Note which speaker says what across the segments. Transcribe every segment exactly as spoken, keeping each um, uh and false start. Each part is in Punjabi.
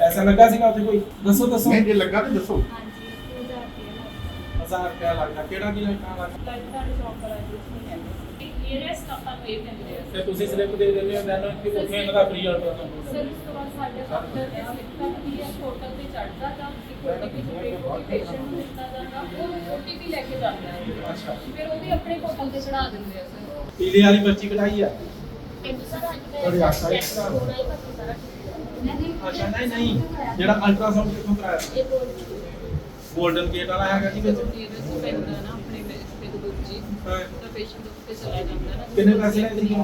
Speaker 1: ਪੈਸਾ ਲੱਗਾ ਸੀਗਾ ਉੱਥੇ ਕੋਈ? ਦੱਸੋ ਦੱਸੋ।
Speaker 2: ਨਹੀਂ ਜੇ ਲੱਗਾ ਤੇ ਦੱਸੋ।
Speaker 3: ਹਾਂਜੀ ਹਜ਼ਾਰ ਰੁਪਏ
Speaker 1: ਹਜ਼ਾਰ ਰੁਪਇਆ ਲੱਗਦਾ। ਕਿਹੜਾ ਕੀ ਲੱਗਦਾ?
Speaker 3: ਲੱਗਦਾ ਸ਼ੌਪ ਵਾਲਾ ਕੁਝ ਨਹੀਂ ਕਹਿੰਦੇ ਇਹ ਰੈਸਟ ਆਪਾਂ ਨੂੰ ਇਹ ਦਿੰਦੇ ਆ
Speaker 1: ਤੇ ਤੁਸੀਂ ਸਲਿੱਪ ਦੇ ਦਿੰਦੇ ਹੋ ਦੈਨ ਕਿ ਉੱਥੇ ਇਹਨਾਂ ਦਾ ਫ੍ਰੀ ਅਲਟਰਾਸਾਊਂਡ
Speaker 3: ਸਰ ਉਸ ਤੋਂ ਬਾਅਦ ਸਾਡੇ ਡਾਕਟਰ ਨੇ ਸਲਿੱਪ ਕਰਦੀ ਹੈ ਹੋਟਲ ਤੇ ਚੜ੍ਹਦਾ ਤਾਂ ਇੱਕ ਓਟੀਪੀ ਜੋ ਪੇਸ਼ੈਂਟ ਨੂੰ ਦਿੱਤਾ ਜਾਂਦਾ ਉਹ ਓਟੀਪੀ ਲੈ ਕੇ ਜਾਂਦਾ ਹੈ।
Speaker 1: ਅੱਛਾ।
Speaker 3: ਫਿਰ ਉਹ ਵੀ ਆਪਣੇ ਹੋਟਲ ਤੇ ਚੜਾ ਦਿੰਦੇ ਆ ਸਰ।
Speaker 1: ਪੀਲੇ ਵਾਲੀ ਪਰਚੀ ਕਢਾਈ ਆ?
Speaker 3: ਇੱਕ ਸਰ ਅੱਜ
Speaker 1: ਤੁਹਾਡੀ
Speaker 3: ਮੈਂ
Speaker 1: ਆਸ਼ਾ
Speaker 3: ਟੈਸਟ ਹੋਣਾ ਹੀ ਪਤਾ ਸਾਰਾ
Speaker 1: ਅੱਛਾ ਨਹੀਂ ਨਹੀਂ ਜਿਹੜਾ ਅਲਟਰਾਸਾਊਂਡ ਕਿੱਥੋਂ ਕਰਾਇਆ?
Speaker 3: ਇਹ ਬੋਲ
Speaker 1: ਗੋਲਡਨ ਗੇਟ ਵਾਲਾ ਹੈਗਾ ਜੀ ਵਿੱਚ?
Speaker 3: ਇਹ ਪੈਂਦਾ ਨਾ ਆਪਣੇ ਤੇ ਦੂਜੀ
Speaker 1: ਹਾਂ।
Speaker 3: ਤਾਂ ਪੇਸ਼ੈਂਟ ਉੱਤੇ ਚਲਾ ਜਾਂਦਾ ਨਾ।
Speaker 1: ਕਿੰਨੇ ਪੈਸੇ ਲੈਂਦੇ ਜੀ?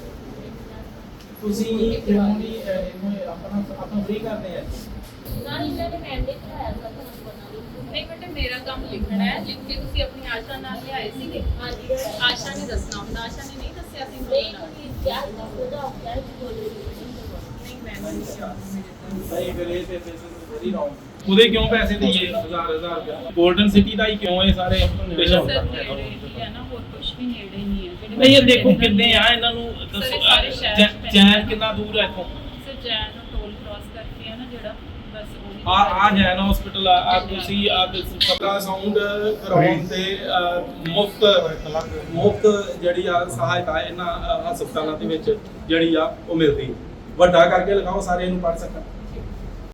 Speaker 1: ਤੁਸੀਂ ਕਿਉਂ ਨਹੀਂ ਇਹਨੂੰ ਆਪਣਾ ਆਪਣਾ ਫ੍ਰੀ ਕਰਦੇ ਆ?
Speaker 3: ਨਾ ਇਹਨਾਂ ਨੇ ਮੈਂਡੇਟ ਕਰਾਇਆ ਸਰ ਤੁਹਾਨੂੰ ਬਣਾ ਲਈ ਨਹੀਂ ਬੇਟੇ ਮੇਰਾ ਕੰਮ ਲਿਖਣਾ ਹੈ ਲਿਖ ਕੇ ਤੁਸੀਂ ਆਪਣੀ ਆਸ਼ਾ ਨਾਲ ਲਿਆਏ ਸੀਗੇ। ਹਾਂਜੀ ਆਸ਼ਾ ਨੇ ਦੱਸਣਾ ਹੁੰਦਾ ਆਸ਼ਾ ਨੇ ਨਹੀਂ ਦੱਸਿਆ ਸੀ ਨਹੀਂ ਤੁਸੀਂ ਕਿਆ ਉਹਦਾ ਹੁੰਦਾ ਹੈ ਨਹੀਂ ਮੈਂ ਨਹੀਂ
Speaker 1: ਸਹੀ ਫਿਰ ਇਹ ਤੇ ਵੈਰੀ ਰੌਂਗ। ਉਹਦੇ ਕਿਉਂ ਪੈਸੇ ਦਈਏ ਹਜ਼ਾਰ ਹਜ਼ਾਰ ਰੁਪਇਆ? ਗੋਲਡਨ ਸਿਟੀ ਦਾ ਹੀ ਕਿਉਂ ਇਹ ਸਾਰੇ ਪੇਸ਼ੈਂਟ?
Speaker 3: ਸਰ ਨੇੜੇ ਹੀ ਹੈ ਨਾ ਹੋਰ ਕੁਝ ਵੀ ਨੇੜੇ ਨਹੀਂ ਹੈ ਜਿਹੜੇ
Speaker 1: ਨਹੀਂ ਇਹ ਦੇਖੋ ਕਿੰਨੇ ਆ ਇਹਨਾਂ ਨੂੰ ਦੱਸੋ।
Speaker 3: ਸਾਰੇ ਸ਼ਹਿਰ ਚ
Speaker 1: ਜੈ-
Speaker 3: ਪੈਂਦੇ
Speaker 1: ਜੈਨ ਕਿੰਨਾ ਦੂਰ ਹੈ ਇੱਥੋਂ?
Speaker 3: ਸਰ ਜੈਨ ਨੂੰ ਟੋਲ ਕ੍ਰਾਸ ਕਰਕੇ ਹੈ ਨਾ ਜਿਹੜਾ ਬਸ ਉਹੀ
Speaker 1: ਆ ਆ ਜੈਨ ਹਸਪੀਟਲ ਆ ਆ ਤੁਸੀਂ ਆ ਸਪਰਾ ਸਾਊਂਡ ਕਰਾਉਣ ਤੇ ਮੁਫਤ ਮੁਫਤ ਜਿਹੜੀ ਆ ਸਹਾਇਤਾ ਇਹਨਾਂ ਅ, ਹਸਪਤਾਲਾਂ ਦੇ ਵਿੱਚ ਜਿਹੜੀ ਆ ਉਹ ਮਿਲਦੀ। ਵੱਡਾ ਕਰਕੇ ਲਗਾਓ ਸਾਰੇ ਇਹਨੂੰ ਪੜ ਸਕਣ।